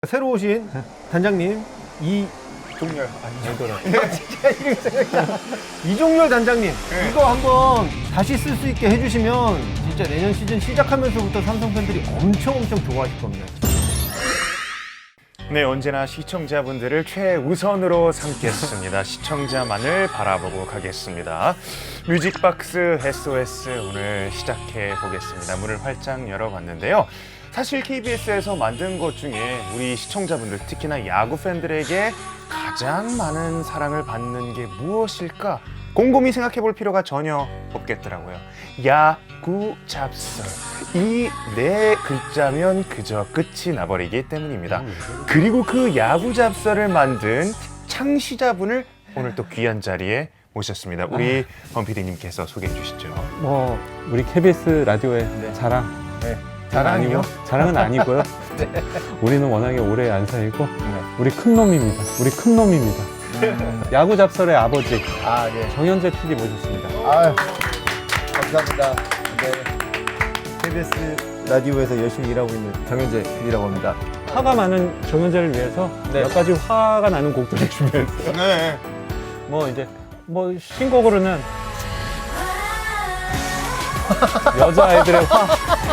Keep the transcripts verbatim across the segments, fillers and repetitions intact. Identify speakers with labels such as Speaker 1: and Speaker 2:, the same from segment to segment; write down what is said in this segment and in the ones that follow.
Speaker 1: 새로 오신 단장님 이
Speaker 2: 종렬 아니더라.
Speaker 1: 이종렬 단장님
Speaker 2: 네.
Speaker 1: 이거 한번 다시 쓸 수 있게 해주시면 진짜 내년 시즌 시작하면서부터 삼성 팬들이 엄청 엄청 좋아하실 겁니다.
Speaker 2: 네, 언제나 시청자분들을 최우선으로 삼겠습니다. 시청자만을 바라보고 가겠습니다. 뮤직박스 에스오에스 오늘 시작해 보겠습니다. 문을 활짝 열어봤는데요. 사실 케이비에스에서 만든 것 중에 우리 시청자분들, 특히나 야구 팬들에게 가장 많은 사랑을 받는 게 무엇일까? 곰곰이 생각해 볼 필요가 전혀 없겠더라고요. 야구 잡설. 이 네 글자면 그저 끝이 나버리기 때문입니다. 그리고 그 야구 잡설을 만든 창시자분을 오늘 또 귀한 자리에 모셨습니다. 우리 범 피디님께서 소개해 주시죠.
Speaker 3: 뭐 우리 케이비에스 라디오의
Speaker 1: 네.
Speaker 3: 자랑.
Speaker 1: 네.
Speaker 3: 자랑이요? 자랑은 아니고요.
Speaker 1: 네.
Speaker 3: 우리는 워낙에 오래 안 사이고
Speaker 1: 네.
Speaker 3: 우리 큰 놈입니다. 우리 큰 놈입니다.
Speaker 1: 음.
Speaker 3: 야구 잡설의 아버지
Speaker 1: 아 예.
Speaker 3: 정현재 피디 모셨습니다.
Speaker 1: 아유 감사합니다. 네. 케이비에스 라디오에서 열심히 일하고 있는 정현재 피디라고 합니다.
Speaker 3: 화가 많은 정현재를 위해서
Speaker 1: 네.
Speaker 3: 몇 가지 화가 나는 곡들을 준비했어요.
Speaker 2: 네.
Speaker 3: 뭐 이제 뭐 신곡으로는 여자아이들의 화.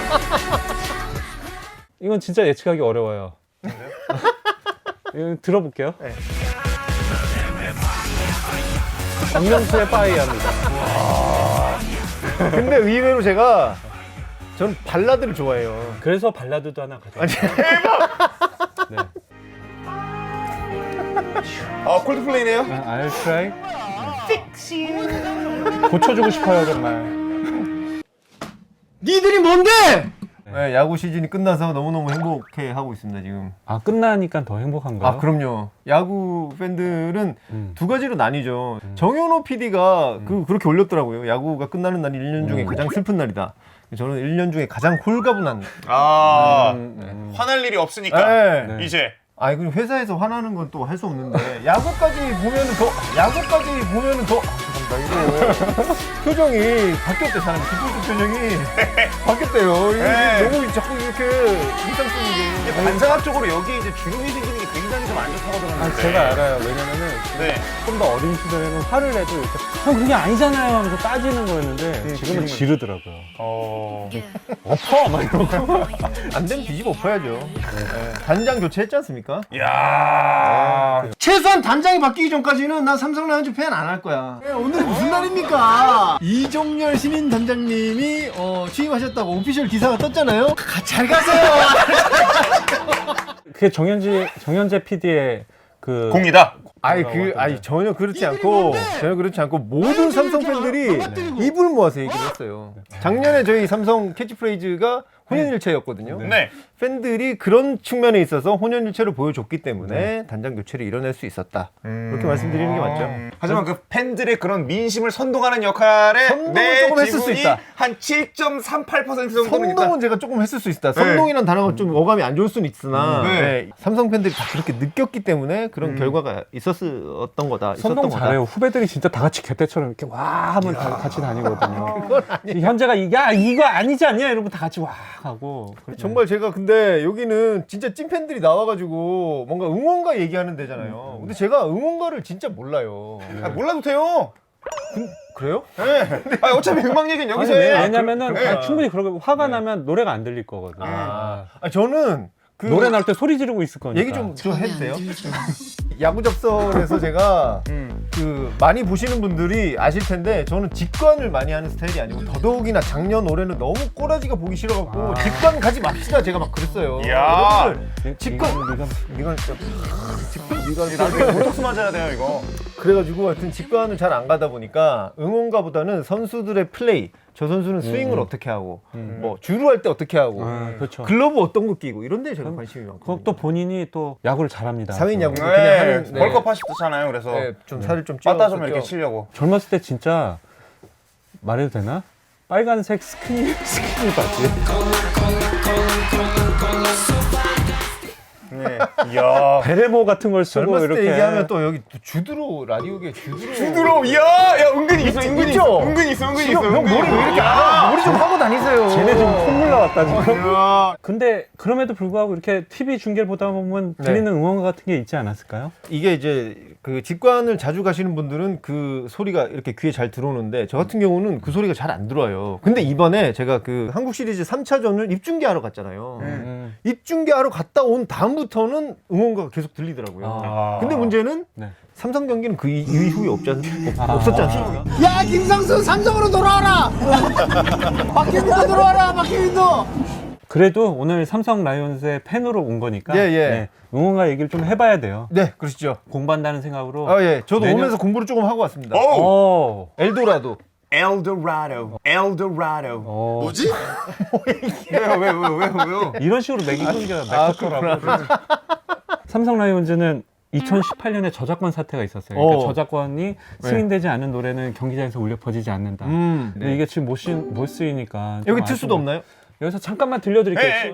Speaker 3: 이건 진짜 예측하기 어려워요. 이거 들어볼게요.
Speaker 1: 네.
Speaker 3: 박명수의 빠이야입니다.
Speaker 1: 근데 의외로 제가 전 발라드를 좋아해요.
Speaker 3: 그래서 발라드도 하나 가져왔어요. 네.
Speaker 2: 아, 콜드플레이네요?
Speaker 3: I'll try. 고쳐주고 싶어요 정말.
Speaker 1: 니들이 뭔데? 네, 야구 시즌이 끝나서 너무너무 행복해 하고 있습니다 지금.
Speaker 3: 아 끝나니까 더 행복한가요?
Speaker 1: 아 그럼요. 야구 팬들은
Speaker 3: 음.
Speaker 1: 두 가지로 나뉘죠. 정현호 피디가
Speaker 3: 음.
Speaker 1: 그, 그렇게 올렸더라고요. 야구가 끝나는 날이 일 년 중에
Speaker 3: 음.
Speaker 1: 가장 슬픈 날이다. 저는 일 년 중에 가장 홀가분한.
Speaker 2: 아,
Speaker 3: 음, 음.
Speaker 2: 화날 일이 없으니까
Speaker 1: 네.
Speaker 3: 네.
Speaker 2: 이제
Speaker 1: 아니 그리고 회사에서 화나는 건 또 할 수 없는데 야구까지 보면은 더 야구까지 보면은 더 아, 죄송합니다 이거 표정이 바뀌었대. 사람 기쁜 표정이 바뀌었대요. 이게
Speaker 2: 네.
Speaker 1: 너무 자꾸 이렇게 인상 쓰는 게.
Speaker 2: 반사각적으로 여기 이제 주름이 생기는 게 굉장히 좀 안 좋다고 들었는데.
Speaker 3: 아, 제가 알아요. 왜냐면은
Speaker 2: 네.
Speaker 3: 좀 더 어린 시절에는 화를 내도 이렇게 형 그게 아니잖아요 하면서 따지는 거였는데
Speaker 1: 네,
Speaker 3: 지금은
Speaker 1: 지금은-
Speaker 3: 지르더라고요.
Speaker 2: 어.
Speaker 3: 엎어! 막 이러고.
Speaker 1: 안 되면 뒤집어 엎어야죠. 네. 단장 교체했지 않습니까?
Speaker 2: 야.
Speaker 1: 최소한 단장이 바뀌기 전까지는 난 삼성 라이온즈 팬 안 할 거야. 오늘이 무슨 날입니까? 이종렬 신인 단장님이 어, 취임하셨다고 오피셜 기사가 떴잖아요. 가, 잘 가세요.
Speaker 3: 그게 정현지, 정현재 피디의 그.
Speaker 2: 공이다.
Speaker 1: 아니 그 아니 전혀 그렇지 않고 전혀 그렇지 않고 모든 삼성 팬들이 입을 모아서 얘기를 했어요. 작년에 저희 삼성 캐치프레이즈가 혼연일체였거든요.
Speaker 2: 네.
Speaker 1: 팬들이 그런 측면에 있어서 혼연일체를 보여줬기 때문에 단장 교체를 이뤄낼 수 있었다. 이렇게 말씀드리는 게 맞죠.
Speaker 2: 음. 하지만 그 팬들의 그런 민심을 선동하는 역할에
Speaker 1: 선동은
Speaker 2: 내
Speaker 1: 조금 했을 수
Speaker 2: 지분이
Speaker 1: 있다.
Speaker 2: 한 칠 점 삼팔 퍼센트 정도는 있다.
Speaker 1: 선동은 제가 조금 했을 수 있다. 선동이란 단어가 좀 어감이 안 좋을 수는 있으나
Speaker 2: 네.
Speaker 1: 네, 삼성 팬들이 다 그렇게 느꼈기 때문에 그런 결과가 있었던 거다. 있었던
Speaker 3: 선동
Speaker 1: 거다.
Speaker 3: 잘해요. 후배들이 진짜 다 같이 개떼처럼 이렇게 와 하면 다 같이 다니거든요. 현재가 야 이거 아니지 않냐 이러면 다 같이 와 하고.
Speaker 1: 정말 제가 근데 여기는 진짜 찐팬들이 나와가지고 뭔가 응원가 얘기하는 데잖아요. 근데 제가 응원가를 진짜 몰라요.
Speaker 2: 아, 몰라도 돼요.
Speaker 1: 그래요?
Speaker 2: 네. 아, 어차피 음악 얘기는 여기서
Speaker 3: 아니,
Speaker 2: 해.
Speaker 3: 왜- 왜냐면은
Speaker 1: 그렇구나.
Speaker 3: 아, 충분히 그러고 화가 나면 노래가 안 들릴 거거든요.
Speaker 1: 아, 아, 저는 그
Speaker 3: 노래 날 때 소리 지르고 있을 거니까.
Speaker 1: 얘기 좀, 좀 해도 돼요? 야구 접설에서 제가
Speaker 2: 음.
Speaker 1: 그 많이 보시는 분들이 아실 텐데 저는 직관을 많이 하는 스타일이 아니고 더더욱이나 작년 올해는 너무 꼬라지가 보기 싫어갖고
Speaker 3: 아.
Speaker 1: 직관 가지 맙시다 제가 막 그랬어요.
Speaker 2: 이야.
Speaker 1: 여러분들 직관
Speaker 3: 네가
Speaker 1: 이건 진짜 직관
Speaker 2: 나중에 보톡스 맞아야 돼요, 이거.
Speaker 1: 그래가지고 하여튼 직관을 잘 안 가다 보니까 응원가보다는 선수들의 플레이, 저 선수는 스윙을 어떻게 하고 뭐 주루 할 때 어떻게 하고
Speaker 3: 아, 그렇죠.
Speaker 1: 글러브 어떤 거 끼고 이런 데 제가 관심이 많고
Speaker 3: 그것도 본인이 또 야구를 잘합니다.
Speaker 1: 사회인 야구
Speaker 2: 네.
Speaker 1: 그냥 하는 네.
Speaker 2: 벌컵 하시잖아요. 그래서
Speaker 1: 네, 좀 살을 좀 찌워
Speaker 2: 빠따 좀 이렇게 치려고.
Speaker 3: 젊었을 때 진짜 말해도 되나? 빨간색 스키니 스키니 바지.
Speaker 2: 네. 이야.
Speaker 3: 베레모 같은 걸 쓰고
Speaker 1: 젊었을
Speaker 3: 이렇게
Speaker 1: 때 얘기하면 또 여기 또 주드로 라디오계 주드로
Speaker 2: 주드로 이야, 야 은근히 있어, 은근히
Speaker 1: 있죠?
Speaker 2: 있어, 은근히 있어, 은근히 있어.
Speaker 1: 형 머리 왜 이렇게 안 하고 머리 좀 하고 다니세요.
Speaker 3: 쟤네 지금 콧물 나왔다 지금.
Speaker 1: 야.
Speaker 3: 근데 그럼에도 불구하고 이렇게 티비 중계를 보다 보면
Speaker 1: 네.
Speaker 3: 들리는 응원가 같은 게 있지 않았을까요?
Speaker 1: 이게 이제 그 직관을 자주 가시는 분들은 그 소리가 이렇게 귀에 잘 들어오는데 저 같은 경우는 그 소리가 잘 안 들어와요. 근데 이번에 제가 그 한국 시리즈 삼 차전을 입중계하러 갔잖아요.
Speaker 3: 음.
Speaker 1: 입중계하러 갔다 온 다음부터는 응원가가 계속 들리더라고요.
Speaker 3: 아.
Speaker 1: 근데 문제는
Speaker 3: 네.
Speaker 1: 삼성 경기는 그 이- 이후에 없지 않,
Speaker 3: 아.
Speaker 1: 없었지 않습니까?
Speaker 4: 야 김상수 삼성으로 돌아와라. 박혜민도 들어와라. 박혜민도.
Speaker 3: 그래도 오늘 삼성 라이온즈의 팬으로 온 거니까
Speaker 1: 예, 예.
Speaker 3: 네, 응원가 얘기를 좀 해봐야 돼요.
Speaker 1: 네, 그러시죠.
Speaker 3: 공부한다는 생각으로.
Speaker 1: 아, 예. 저도
Speaker 3: 내년-
Speaker 1: 오면서 공부를 조금 하고 왔습니다.
Speaker 2: 오,
Speaker 3: 오.
Speaker 1: 엘도라도.
Speaker 2: 엘도라도, 엘도라도.
Speaker 3: 어.
Speaker 4: 뭐지?
Speaker 2: 왜요, 왜요, 왜요, 왜요, 왜요?
Speaker 3: 이런 식으로 매기는 게
Speaker 1: 아,
Speaker 3: 맥커터라고. 삼성 라이온즈는 이천십팔 년에 저작권 사태가 있었어요. 그러니까
Speaker 1: 어.
Speaker 3: 저작권이 승인되지 않은 노래는 경기장에서 울려 퍼지지 않는다.
Speaker 1: 음.
Speaker 3: 근데 이게 지금 못, 쓰, 못 쓰이니까. 좀
Speaker 1: 여기 틀 수도
Speaker 3: 아쉬운
Speaker 1: 없나요?
Speaker 3: 거. 여기서 잠깐만 들려드릴게요.
Speaker 2: 네.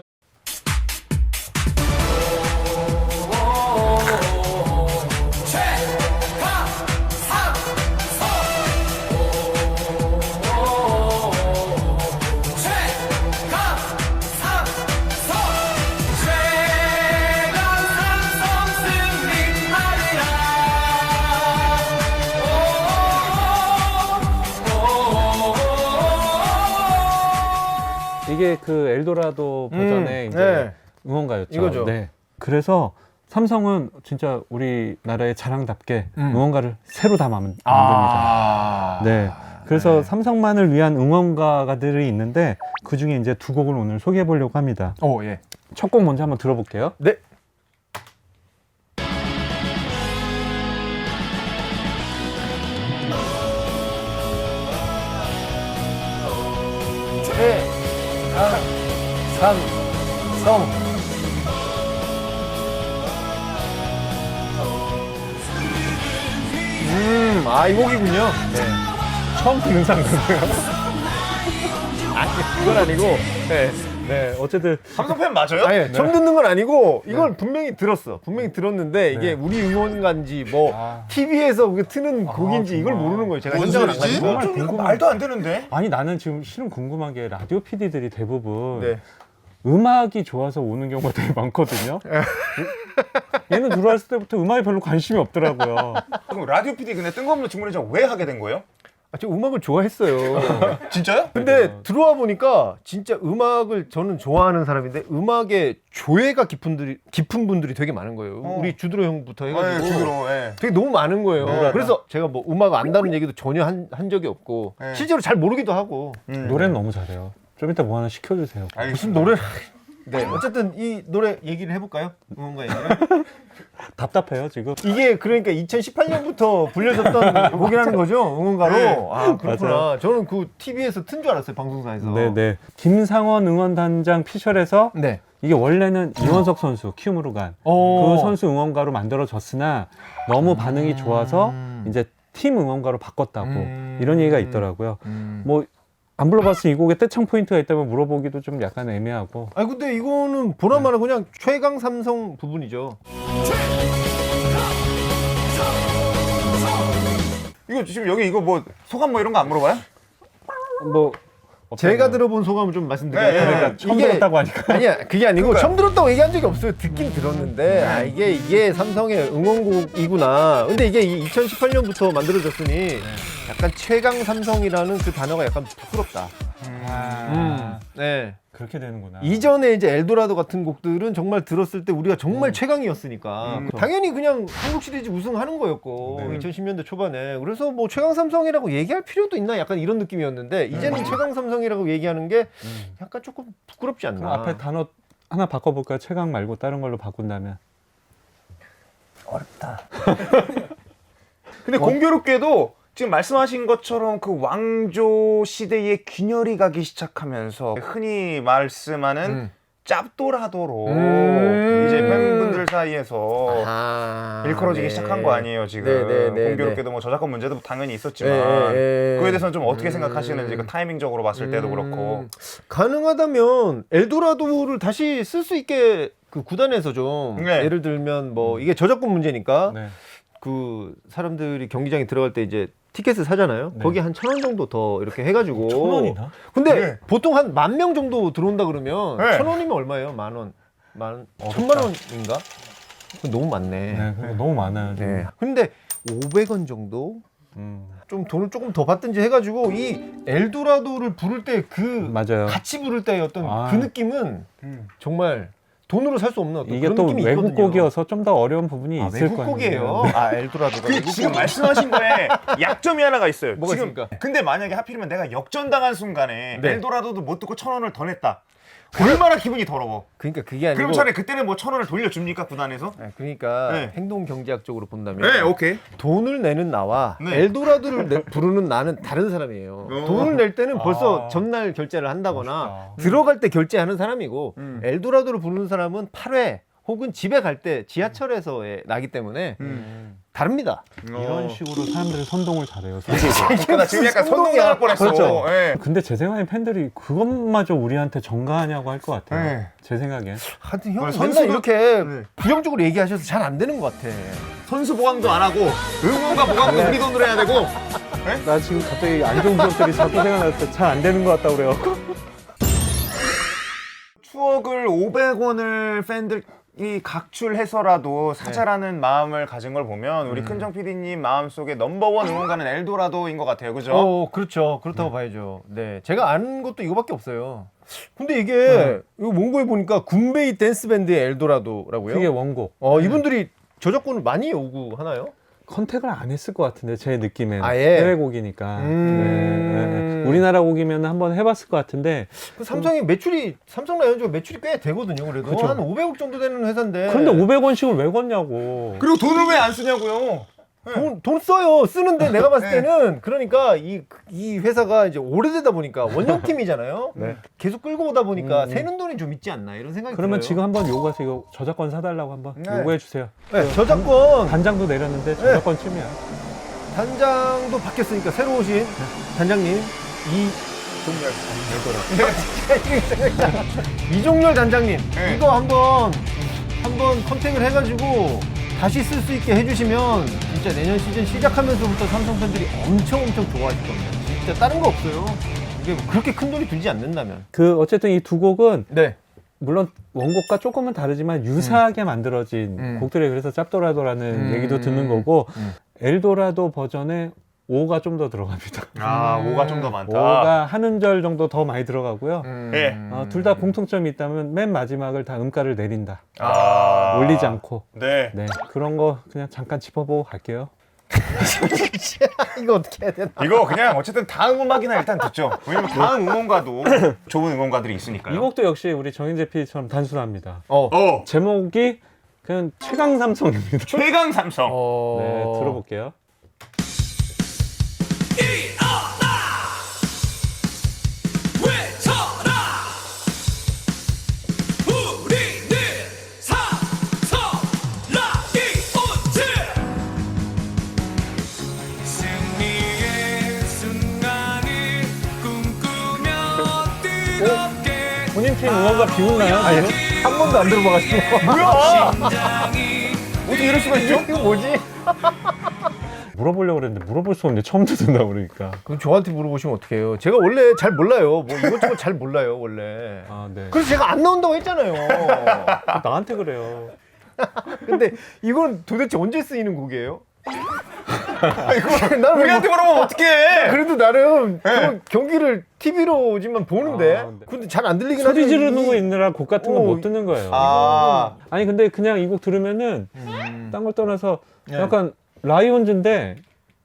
Speaker 3: 이게 그 엘도라도 버전의
Speaker 1: 음,
Speaker 3: 이제
Speaker 1: 네.
Speaker 3: 응원가였죠.
Speaker 1: 이거죠.
Speaker 3: 네. 그래서 삼성은 진짜 우리나라의 자랑답게
Speaker 1: 음.
Speaker 3: 응원가를 새로 다 만- 만듭니다.
Speaker 1: 아.
Speaker 3: 네. 그래서
Speaker 1: 네.
Speaker 3: 삼성만을 위한 응원가들이 있는데 그 중에 이제 두 곡을 오늘 소개해 보려고 합니다.
Speaker 1: 오, 예.
Speaker 3: 첫 곡 먼저 한번 들어볼게요.
Speaker 1: 네. 최, 강, 삼, 성. 음, 아, 이 곡이군요. 네.
Speaker 3: 처음 듣는 상태고요.
Speaker 1: 아니, 그건 아니고. 네.
Speaker 3: 네, 어쨌든
Speaker 2: 삼성 팬 맞아요?
Speaker 1: 아니, 처음 듣는 건 아니고, 이걸 분명히 들었어. 분명히 들었는데, 이게
Speaker 3: 네.
Speaker 1: 우리 응원가인지, 뭐,
Speaker 3: 아.
Speaker 1: 티비에서 그게 트는 곡인지 이걸
Speaker 3: 정말.
Speaker 1: 모르는 거예요. 제가
Speaker 4: 뭔
Speaker 1: 현장을 안
Speaker 4: 소리지?
Speaker 1: 가니까.
Speaker 3: 정말
Speaker 2: 좀 이거
Speaker 3: 궁금한-
Speaker 2: 말도 안 되는데.
Speaker 3: 아니 나는 지금 실은 궁금한 게 라디오 피디들이 대부분
Speaker 1: 네.
Speaker 3: 음악이 좋아서 오는 경우가 되게 많거든요. 얘는 들어왔을 때부터 음악에 별로 관심이 없더라고요.
Speaker 2: 그럼 라디오 피디 근데 뜬금없는 질문이죠. 왜 하게 된 거예요?
Speaker 1: 아, 제가 음악을 좋아했어요.
Speaker 2: 진짜요?
Speaker 1: 근데
Speaker 3: 그죠.
Speaker 1: 들어와 보니까 진짜 음악을 저는 좋아하는 사람인데 음악에 조예가 깊은, 분들이, 깊은 분들이 되게 많은 거예요.
Speaker 2: 어.
Speaker 1: 우리 주드로 형부터 해가지고
Speaker 2: 네, 주드로. 예.
Speaker 1: 되게 너무 많은 거예요.
Speaker 2: 네.
Speaker 1: 그래서 제가 뭐 음악 안다는 얘기도 전혀 한, 한 적이 없고
Speaker 2: 네.
Speaker 1: 실제로 잘 모르기도 하고
Speaker 2: 음.
Speaker 3: 노래는 너무 잘해요. 좀 이따 뭐 하나 시켜주세요.
Speaker 1: 무슨
Speaker 2: 알겠습니다.
Speaker 1: 노래를 네 어쨌든 이 노래 얘기를 해볼까요? 응원가 얘기를.
Speaker 3: 답답해요 지금.
Speaker 1: 이게 그러니까 이천십팔 년부터 불려졌던 곡이라는 거죠 응원가로.
Speaker 2: 네.
Speaker 1: 아 그렇구나.
Speaker 3: 맞아요.
Speaker 1: 저는 그 티비에서 튼 줄 알았어요 방송사에서.
Speaker 3: 네네. 김상원 응원단장 피셜에서
Speaker 1: 네.
Speaker 3: 이게 원래는 이원석 선수 키움으로 간 그
Speaker 1: 오.
Speaker 3: 선수 응원가로 만들어졌으나 너무 반응이 좋아서
Speaker 1: 음.
Speaker 3: 이제 팀 응원가로 바꿨다고
Speaker 1: 음.
Speaker 3: 이런 얘기가 있더라고요.
Speaker 1: 음.
Speaker 3: 뭐 안 불러봤으니 이 곡에 떼창 포인트가 있다면 물어보기도 좀 약간 애매하고.
Speaker 1: 아니 근데 이거는 보나마나 그냥 최강 삼성 부분이죠.
Speaker 2: 이거 지금 여기 이거 뭐 소감 뭐 이런 거 안 물어봐요?
Speaker 3: 뭐
Speaker 1: 제가 들어본 소감을 좀 말씀드려요.
Speaker 2: 네, 네,
Speaker 3: 그러니까 처음 들었다고 하니까.
Speaker 1: 아니야 그게 아니고
Speaker 2: 그러니까요.
Speaker 1: 처음 들었다고 얘기한 적이 없어요. 듣긴 들었는데 아 이게 이게 삼성의 응원곡이구나. 근데 이게 이천십팔 년부터 만들어졌으니 약간 최강 삼성이라는 그 단어가 약간 부끄럽다.
Speaker 3: 아,
Speaker 1: 네.
Speaker 3: 그렇게 되는구나.
Speaker 1: 이전에 이제 엘도라도 같은 곡들은 정말 들었을 때 우리가 정말 최강이었으니까
Speaker 2: 음.
Speaker 1: 당연히 그냥 한국 시리즈 우승하는 거였고
Speaker 2: 네.
Speaker 1: 이천십 년대 초반에 그래서 뭐 최강 삼성이라고 얘기할 필요도 있나 약간 이런 느낌이었는데 이제는 최강 삼성이라고 얘기하는 게 약간 조금 부끄럽지 않나.
Speaker 3: 그럼 앞에 단어 하나 바꿔볼까요? 최강 말고 다른 걸로 바꾼다면.
Speaker 1: 어렵다.
Speaker 2: 근데 공교롭게도 지금 말씀하신 것처럼 그 왕조 시대의 균열이 가기 시작하면서 흔히 말씀하는
Speaker 1: 음.
Speaker 2: 짭도라도로
Speaker 1: 음.
Speaker 2: 이제 팬분들 사이에서
Speaker 1: 아,
Speaker 2: 일컬어지기
Speaker 1: 네.
Speaker 2: 시작한 거 아니에요 지금.
Speaker 1: 네, 네, 네,
Speaker 2: 공교롭게도 뭐 저작권 문제도 당연히 있었지만
Speaker 1: 네, 네.
Speaker 2: 그에 대해서는 좀 어떻게
Speaker 1: 음.
Speaker 2: 생각하시는지 그 타이밍적으로 봤을 때도 그렇고.
Speaker 1: 음, 가능하다면 엘도라도를 다시 쓸 수 있게 그 구단에서 좀
Speaker 2: 네.
Speaker 1: 예를 들면 뭐 이게 저작권 문제니까
Speaker 3: 네.
Speaker 1: 그 사람들이 경기장에 들어갈 때 이제 티켓을 사잖아요.
Speaker 3: 네.
Speaker 1: 거기 한 천 원 정도 더 이렇게 해가지고.
Speaker 3: 천 원이나?
Speaker 1: 근데
Speaker 2: 네.
Speaker 1: 보통 한 만 명 정도 들어온다 그러면
Speaker 2: 네.
Speaker 1: 천 원이면 얼마예요? 만 원, 만 천만 원인가? 그거 너무 많네.
Speaker 3: 네, 그거 너무 많아요. 지금.
Speaker 1: 네. 근데 오백 원 정도
Speaker 3: 음,
Speaker 1: 좀 돈을 조금 더 받든지 해가지고 이 엘도라도를 부를 때 그
Speaker 3: 맞아요.
Speaker 1: 같이 부를 때의 어떤
Speaker 3: 아.
Speaker 1: 그 느낌은
Speaker 2: 음.
Speaker 1: 정말 돈으로 살 수 없는 어떤
Speaker 3: 이게
Speaker 1: 그런
Speaker 3: 또
Speaker 1: 느낌이
Speaker 3: 외국
Speaker 1: 있거든요.
Speaker 3: 곡이어서 좀 더 어려운 부분이
Speaker 1: 아,
Speaker 3: 있을
Speaker 1: 외국
Speaker 3: 거예요.
Speaker 1: 곡이에요. 아 엘도라도가
Speaker 2: 그
Speaker 1: 외국
Speaker 2: 지금
Speaker 1: 곡이-
Speaker 2: 말씀하신 거에 약점이 하나가 있어요.
Speaker 1: 뭐가
Speaker 2: 지금
Speaker 1: 있습니까?
Speaker 2: 근데 만약에 하필이면 내가 역전당한 순간에
Speaker 1: 네.
Speaker 2: 엘도라도도 못 듣고 천 원을 더 냈다. 얼마나 기분이 더러워.
Speaker 1: 그러니까 그게 아니고.
Speaker 2: 그럼 차라리 그때는 뭐 천 원을 돌려줍니까 구단에서?
Speaker 1: 네, 그러니까
Speaker 2: 네.
Speaker 1: 행동 경제학적으로 본다면
Speaker 2: 네, 오케이.
Speaker 1: 돈을 내는 나와
Speaker 2: 네.
Speaker 1: 엘도라도를 내- 부르는 나는 다른 사람이에요.
Speaker 2: 어.
Speaker 1: 돈을 낼 때는 벌써
Speaker 3: 아.
Speaker 1: 전날 결제를 한다거나
Speaker 3: 멋있다.
Speaker 1: 들어갈 때 결제하는 사람이고
Speaker 2: 음.
Speaker 1: 엘도라도를 부르는 사람은 팔 회 혹은 집에 갈 때 지하철에서 나기 때문에
Speaker 3: 음.
Speaker 1: 다릅니다.
Speaker 3: 이런 식으로 사람들이 선동을 잘해요.
Speaker 2: 그러니까 나 지금 약간
Speaker 1: 선동이야.
Speaker 2: 선동당할 뻔했어.
Speaker 3: 그렇죠.
Speaker 2: 예.
Speaker 3: 근데 제 생각엔 팬들이 그것마저 우리한테 전가하냐고 할 것 같아요.
Speaker 2: 네.
Speaker 3: 제 생각엔.
Speaker 1: 하여튼 형
Speaker 2: 오늘
Speaker 1: 맨날
Speaker 2: 선수도-
Speaker 1: 이렇게
Speaker 2: 네.
Speaker 1: 부정적으로 얘기하셔서 잘 안 되는 것 같아.
Speaker 2: 선수 보강도 안 하고 응원과 보강도 우리 돈으로 해야 되고.
Speaker 3: 나 지금 갑자기 안 좋은 기억들이 자꾸 생각났을 때 잘 안 되는 것 같다고 그래요.
Speaker 2: 추억을 오백 원을 팬들이 각출해서라도 사자라는 마음을 가진 걸 보면 우리 큰정 피디님 마음속에 넘버원 응원가는 엘도라도인 것 같아요. 그죠?
Speaker 1: 어, 그렇죠. 그렇다고 봐야죠. 네. 제가 아는 것도 이거밖에 없어요. 근데 이게 이거 몽고에 보니까 군베이 댄스 밴드의 엘도라도라고요.
Speaker 3: 그게 원곡.
Speaker 1: 어, 이분들이 저작권을 많이 요구하나요?
Speaker 3: 컨택을 안 했을 것 같은데 제 느낌에는
Speaker 1: 아예?
Speaker 3: 해외 곡이니까.
Speaker 1: 음.
Speaker 3: 네, 네, 네. 우리나라 곡이면 한번 해봤을 것 같은데
Speaker 1: 그 삼성이 매출이 삼성 라이온즈가 매출이 꽤 되거든요. 그래도
Speaker 3: 그쵸.
Speaker 1: 한 오백억 정도 되는 회사인데.
Speaker 3: 그런데 오백 원씩을 왜 걷냐고.
Speaker 2: 그리고 돈을 왜 안 쓰냐고요?
Speaker 1: 돈, 돈 써요. 쓰는데 내가 봤을
Speaker 2: 네.
Speaker 1: 때는 그러니까 이, 이 회사가 이제 오래되다 보니까 원형팀이잖아요.
Speaker 3: 네.
Speaker 1: 계속 끌고 오다 보니까
Speaker 3: 음.
Speaker 1: 새는 돈이 좀 있지 않나 이런 생각이
Speaker 3: 그러면
Speaker 1: 들어요.
Speaker 3: 지금 한번 요구해서 이거 저작권 사달라고 한번
Speaker 2: 네.
Speaker 3: 요구해 주세요.
Speaker 1: 네, 저작권
Speaker 3: 단장도 내렸는데 저작권 침해야.
Speaker 1: 단장도 바뀌었으니까 새로 오신 단장님 이 이종렬 단장님
Speaker 2: 네.
Speaker 1: 이거 한번 한번 컨택을 해가지고 다시 쓸 수 있게 해주시면 진짜 내년 시즌 시작하면서부터 삼성 팬들이 엄청 엄청 좋아하실 겁니다. 진짜 다른 거 없어요. 이게 그렇게 큰 돈이 들지 않는다면.
Speaker 3: 그 어쨌든 이 두 곡은
Speaker 1: 네.
Speaker 3: 물론 원곡과 조금은 다르지만 유사하게 만들어진
Speaker 1: 음.
Speaker 3: 곡들이 그래서 짭도라도라는
Speaker 1: 음.
Speaker 3: 얘기도 듣는 거고
Speaker 1: 음.
Speaker 3: 엘도라도 버전에 오가 좀 더 들어갑니다.
Speaker 2: 아,
Speaker 1: 음.
Speaker 2: 오가 좀 더 많다.
Speaker 3: 오가 한 음절 정도 더 많이 들어가고요.
Speaker 1: 음.
Speaker 2: 예.
Speaker 3: 어, 둘 다 공통점이 있다면 맨 마지막을 다 음가를 내린다.
Speaker 2: 아.
Speaker 3: 올리지 않고.
Speaker 2: 네.
Speaker 3: 네, 그런 거 그냥 잠깐 짚어보고 갈게요.
Speaker 1: 이거 어떻게 해야 되나?
Speaker 2: 이거 그냥 어쨌든 다음 음악이나 일단 듣죠. 왜냐면 다음 응원가도 좋은 응원가들이 있으니까요.
Speaker 3: 이 곡도 역시 우리 정인재 피디처럼 단순합니다.
Speaker 1: 어.
Speaker 2: 어.
Speaker 3: 제목이 그냥 최강 삼성입니다.
Speaker 2: 최강 삼성.
Speaker 1: 어.
Speaker 3: 네, 들어볼게요. 본인 팀 응원가 비웃나요?
Speaker 1: 아니, 한 번도 안 들어봐가지고.
Speaker 2: 뭐야? 어떻게 이럴 수가 있죠?
Speaker 1: 이거 뭐지?
Speaker 3: 물어보려고 그랬는데 물어볼 수 없는데 처음 듣는다 그러니까.
Speaker 1: 그럼 저한테 물어보시면 어떡해요? 제가 원래 잘 몰라요. 뭐 이것저것 잘 몰라요, 원래.
Speaker 3: 아, 네.
Speaker 1: 그래서 제가 안 나온다고 했잖아요.
Speaker 3: 나한테 그래요.
Speaker 1: 근데 이건 도대체 언제 쓰이는 곡이에요? 나는
Speaker 2: 우리한테 물어보면 어떡해?
Speaker 1: 그래도 나름 그 경기를 티비로지만 보는데
Speaker 3: 아, 네.
Speaker 1: 근데 잘 안 들리긴 하죠.
Speaker 3: 소리 지르는
Speaker 1: 이-
Speaker 3: 거 있느라 곡 같은 거
Speaker 1: 어,
Speaker 3: 못 듣는 거예요.
Speaker 2: 아.
Speaker 3: 아니 근데 그냥 이 곡 들으면은
Speaker 1: 음.
Speaker 3: 딴 걸 떠나서
Speaker 1: 네.
Speaker 3: 약간 라이온즈인데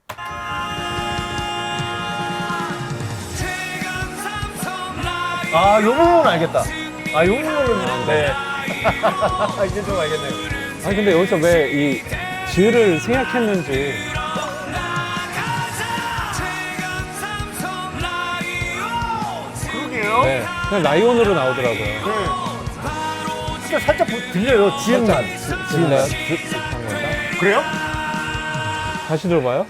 Speaker 1: 아, 요 부분은 알겠다. 아, 요 부분은 네. 이제 좀 알겠네요.
Speaker 3: 아니 근데 여기서 왜 이 지을 생각했는지
Speaker 2: 그러게요.
Speaker 3: 네, 그냥 라이온으로 나오더라고요.
Speaker 2: 네.
Speaker 1: 진짜 살짝 보- 들려요. 지음만.
Speaker 3: 들려요? 한 건가?
Speaker 2: 그래요?
Speaker 3: 다시 들어봐요.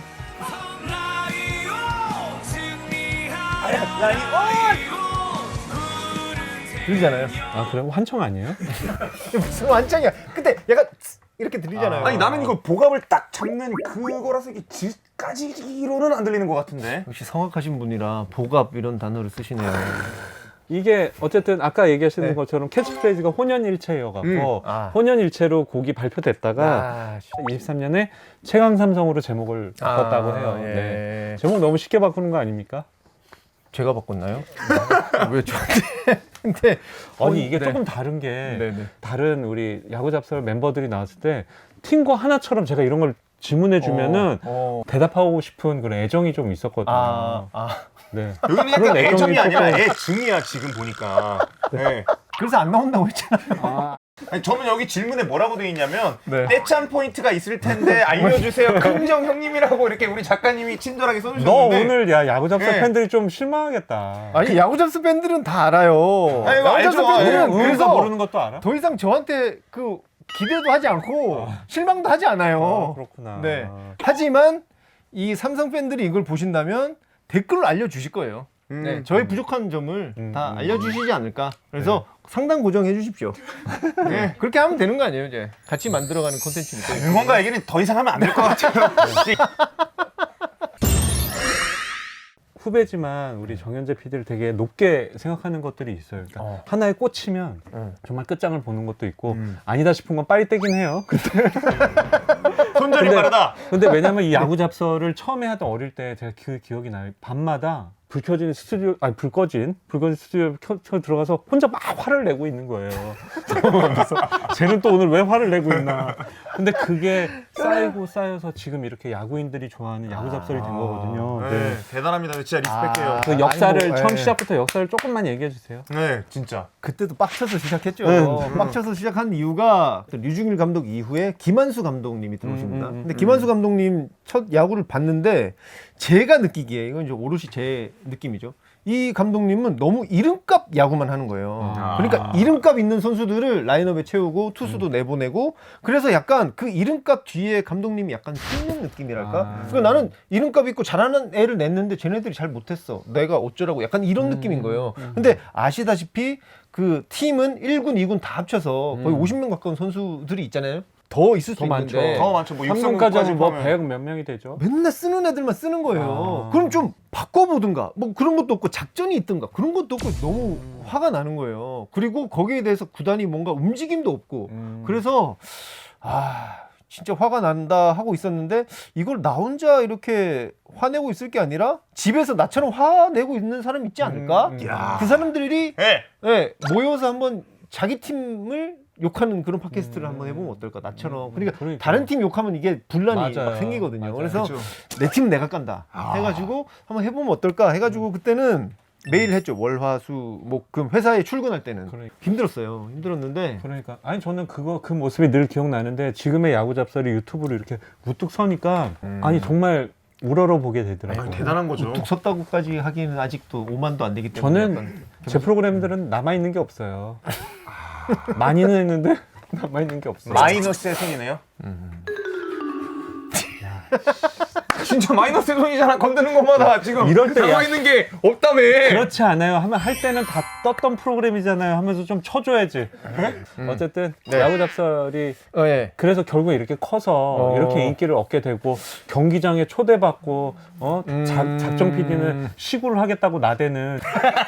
Speaker 1: 들리잖아요.
Speaker 3: 아 그래? 환청 아니에요?
Speaker 1: 무슨 완창이야. 근데 약간 이렇게 들리잖아요.
Speaker 2: 아니 나는 이거 복압을 딱 잡는 그거라서 이게 지까지로는 안 들리는 것 같은데.
Speaker 1: 역시 성악하신 분이라 복압 이런 단어를 쓰시네요.
Speaker 3: 이게 어쨌든 아까 얘기하시는
Speaker 1: 네.
Speaker 3: 것처럼 캐치프레이즈가 혼연일체여갖고
Speaker 2: 음.
Speaker 1: 아.
Speaker 3: 혼연일체로 곡이 발표됐다가
Speaker 1: 아,
Speaker 3: 이십삼 년에 최강삼성으로 제목을 바꿨다고 해요.
Speaker 1: 예.
Speaker 3: 네. 제목 너무 쉽게 바꾸는 거 아닙니까?
Speaker 1: 제가 바꿨나요? 왜 저한테? 근데
Speaker 3: 아니 이게
Speaker 1: 네.
Speaker 3: 조금 다른 게
Speaker 1: 네네.
Speaker 3: 다른 우리 야구 잡설 멤버들이 나왔을 때 팀과 하나처럼 제가 이런 걸 질문해 주면은
Speaker 1: 어, 어.
Speaker 3: 대답하고 싶은 그런 애정이 좀 있었거든요.
Speaker 1: 아, 아.
Speaker 3: 네.
Speaker 2: 여기는 약간
Speaker 3: 그런 애정이
Speaker 2: 애정이 아니라
Speaker 3: 조금-
Speaker 2: 애증이야 지금 보니까. 네.
Speaker 1: 그래서 안 나온다고 했잖아요.
Speaker 3: 아,
Speaker 2: 아니, 저는 여기 질문에 뭐라고 돼 있냐면
Speaker 1: 네.
Speaker 2: 떼짠 포인트가 있을 텐데 알려주세요. 긍정 형님이라고 이렇게 우리 작가님이 친절하게
Speaker 3: 너
Speaker 2: 써주셨는데.
Speaker 3: 오늘 야 야구 잡설
Speaker 2: 네.
Speaker 3: 팬들이 좀 실망하겠다.
Speaker 1: 아니 야구잡스 팬들은 다 알아요.
Speaker 2: 아니, 이거
Speaker 1: 야구잡스
Speaker 2: 알죠.
Speaker 1: 팬들은
Speaker 3: 응,
Speaker 1: 그래서
Speaker 3: 그래서 모르는 것도 알아?
Speaker 1: 더 이상 저한테 그 기대도 하지 않고 실망도 하지 않아요.
Speaker 3: 아, 그렇구나.
Speaker 1: 네. 하지만 이 삼성 팬들이 이걸 보신다면 댓글로 알려주실 거예요.
Speaker 2: 음.
Speaker 1: 네, 저의 부족한 점을
Speaker 3: 음,
Speaker 1: 다
Speaker 3: 음.
Speaker 1: 알려주시지 않을까. 그래서 상당 고정해 주십시오. 네, 그렇게 하면 되는 거 아니에요, 이제. 같이 만들어가는 콘텐츠니까.
Speaker 2: 응원가 얘기는 더 이상 하면 안 될 것 같아요.
Speaker 3: 후배지만 우리 정현재 피디를 되게 높게 생각하는 것들이 있어요. 그러니까
Speaker 1: 어.
Speaker 3: 하나에 꽂히면
Speaker 1: 응.
Speaker 3: 정말 끝장을 보는 것도 있고
Speaker 1: 음.
Speaker 3: 아니다 싶은 건 빨리 떼긴 해요.
Speaker 2: 손절이
Speaker 3: 근데-
Speaker 2: 빠르다.
Speaker 3: 근데 왜냐면 이 야구 잡설을 처음에 하던 어릴 때 제가 그 기억이 나요. 밤마다 불 켜진 스튜디오, 아니 불 꺼진, 불 꺼진 스튜디오 켜, 켜 들어가서 혼자 막 화를 내고 있는 거예요. 그래서 쟤는 또 오늘 왜 화를 내고 있나. 근데 그게 쌓이고 쌓여서 지금 이렇게 야구인들이 좋아하는 야구 잡설이 된 거거든요.
Speaker 2: 네.
Speaker 3: 네.
Speaker 2: 대단합니다. 진짜 리스펙해요.
Speaker 3: 그 역사를
Speaker 1: 아니, 뭐,
Speaker 3: 처음
Speaker 1: 예.
Speaker 3: 시작부터 역사를 조금만 얘기해 주세요.
Speaker 2: 네, 진짜.
Speaker 1: 그때도 빡쳐서 시작했죠.
Speaker 3: 응.
Speaker 1: 빡쳐서 시작한 이유가 류중일 감독 이후에 김한수 감독님이 들어오십니다.
Speaker 3: 음, 음, 음,
Speaker 1: 근데 김한수 감독님 첫 야구를 봤는데 제가 느끼기에 이건 이제 오롯이 제 느낌이죠. 이 감독님은 너무 이름값 야구만 하는 거예요.
Speaker 3: 아.
Speaker 1: 그러니까 이름값 있는 선수들을 라인업에 채우고 투수도
Speaker 3: 음.
Speaker 1: 내보내고 그래서 약간 그 이름값 뒤에 감독님이 약간 숨는 느낌이랄까?
Speaker 3: 아.
Speaker 1: 그러니까 나는 이름값 있고 잘하는 애를 냈는데 쟤네들이 잘 못했어. 내가 어쩌라고 약간 이런
Speaker 3: 음.
Speaker 1: 느낌인 거예요. 근데 아시다시피 그 팀은 일 군, 이 군 다 합쳐서 거의
Speaker 3: 음.
Speaker 1: 오십 명 가까운 선수들이 있잖아요. 더 있을 수
Speaker 3: 더 많죠.
Speaker 1: 있는데
Speaker 2: 더 많죠. 뭐
Speaker 3: 삼 군까지 하면 뭐
Speaker 2: 하면.
Speaker 3: 백 몇 명이 되죠.
Speaker 1: 맨날 쓰는 애들만 쓰는 거예요.
Speaker 3: 아.
Speaker 1: 그럼 좀 바꿔보든가 뭐 그런 것도 없고 작전이 있든가 그런 것도 없고 너무 화가 나는 거예요. 그리고 거기에 대해서 구단이 뭔가 움직임도 없고
Speaker 3: 음.
Speaker 1: 그래서 아 진짜 화가 난다 하고 있었는데 이걸 나 혼자 이렇게 화내고 있을 게 아니라 집에서 나처럼 화내고 있는 사람 있지 않을까?
Speaker 3: 음, 음.
Speaker 2: 야.
Speaker 1: 그 사람들이
Speaker 2: 네.
Speaker 1: 예, 모여서 한번 자기 팀을 욕하는 그런 팟캐스트를
Speaker 3: 음.
Speaker 1: 한번 해보면 어떨까? 나처럼.
Speaker 3: 음,
Speaker 1: 그러니까
Speaker 3: 그러니까요.
Speaker 1: 다른 팀 욕하면 이게 분란이
Speaker 3: 맞아요.
Speaker 1: 막 생기거든요.
Speaker 3: 맞아요.
Speaker 1: 그래서
Speaker 2: 그쵸.
Speaker 1: 내 팀 내가 깐다 해가지고 한번 해보면 어떨까? 해가지고 그때는 매일 했죠. 월, 화, 수, 목, 금 회사에 출근할 때는
Speaker 3: 그러니까.
Speaker 1: 힘들었어요. 힘들었는데
Speaker 3: 그러니까 아니 저는 그거 그 모습이 늘 기억나는데 지금의 야구 잡설이 유튜브로 이렇게 우뚝 서니까
Speaker 1: 음.
Speaker 3: 아니 정말 우러러 보게 되더라고요.
Speaker 2: 아니, 대단한 거죠.
Speaker 1: 뚝 섰다고까지 하기는 아직도 오만도 안 되기 때문에
Speaker 3: 저는
Speaker 1: 약간
Speaker 3: 제 프로그램들은 남아 있는 게 없어요. 많이는 했는데 남아 있는 게 없어요.
Speaker 2: 마이너스의 손이네요. 진짜 마이너스의 손이잖아. 건드는 것마다 지금
Speaker 3: 이럴 때
Speaker 2: 남아
Speaker 3: 야-
Speaker 2: 있는 게 없다며.
Speaker 3: 그렇지 않아요. 하면 할 때는 다 떴던 프로그램이잖아요. 하면서 좀 쳐줘야지. 어쨌든
Speaker 1: 네.
Speaker 3: 야구 잡설이
Speaker 1: 어, 예.
Speaker 3: 그래서 결국 이렇게 커서
Speaker 1: 어.
Speaker 3: 이렇게 인기를 얻게 되고 경기장에 초대받고 어
Speaker 1: 음.
Speaker 3: 작, 작정 피디는 시구를 하겠다고 나대는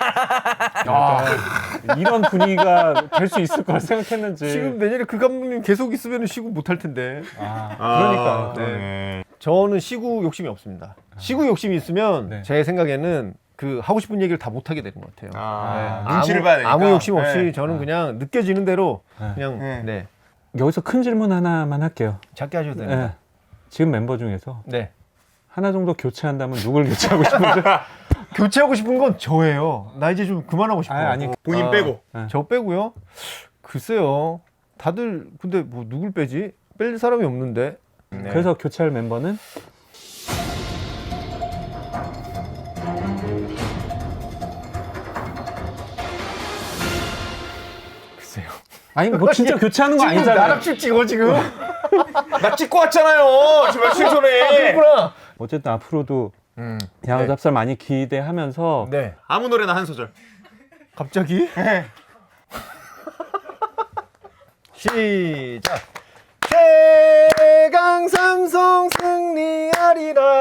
Speaker 3: 그러니까 이런 분위기가 될 수 있을 거라 생각했는지
Speaker 1: 지금 내년에 그 감독님 계속 있으면 시구 못 할 텐데.
Speaker 3: 아,
Speaker 2: 그러니까.
Speaker 3: 그러니까
Speaker 2: 네.
Speaker 1: 저는 시구 욕심이 없습니다. 시구 욕심이 있으면
Speaker 3: 네.
Speaker 1: 제 생각에는 그 하고 싶은 얘기를 다 못 하게 되는 것 같아요.
Speaker 2: 아,
Speaker 1: 네.
Speaker 2: 눈치를
Speaker 1: 아무,
Speaker 2: 봐야 되니까.
Speaker 1: 아무 욕심 없이
Speaker 2: 네.
Speaker 1: 저는 그냥 느껴지는 대로
Speaker 3: 네.
Speaker 1: 그냥
Speaker 2: 네.
Speaker 1: 네.
Speaker 3: 여기서 큰 질문 하나만 할게요.
Speaker 1: 작게 하셔도
Speaker 3: 네.
Speaker 1: 됩니다.
Speaker 3: 지금 멤버 중에서
Speaker 1: 네.
Speaker 3: 하나 정도 교체한다면 누굴 교체하고 싶은지
Speaker 1: 교체하고 싶은 건 저예요. 나 이제 좀 그만하고 싶어요.
Speaker 3: 아니, 아니.
Speaker 2: 본인
Speaker 1: 아,
Speaker 2: 빼고.
Speaker 1: 저 빼고요. 글쎄요. 다들 근데 뭐 누굴 빼지? 뺄 사람이 없는데. 네.
Speaker 3: 그래서 교체할 멤버는
Speaker 1: 글쎄요.
Speaker 3: 아니 뭐 진짜 교체하는 거
Speaker 1: 지금
Speaker 3: 아니잖아요.
Speaker 1: 나락줄 찍어 지금.
Speaker 2: 나 찍고 왔잖아요. 지금 며칠 전에.
Speaker 1: 그렇구나.
Speaker 3: 어쨌든 앞으로도
Speaker 1: 음.
Speaker 3: 야구
Speaker 1: 네.
Speaker 3: 잡설 많이 기대하면서
Speaker 1: 네.
Speaker 2: 아무 노래나 한 소절.
Speaker 1: 갑자기? 시작. 최강 삼성 승리하리라.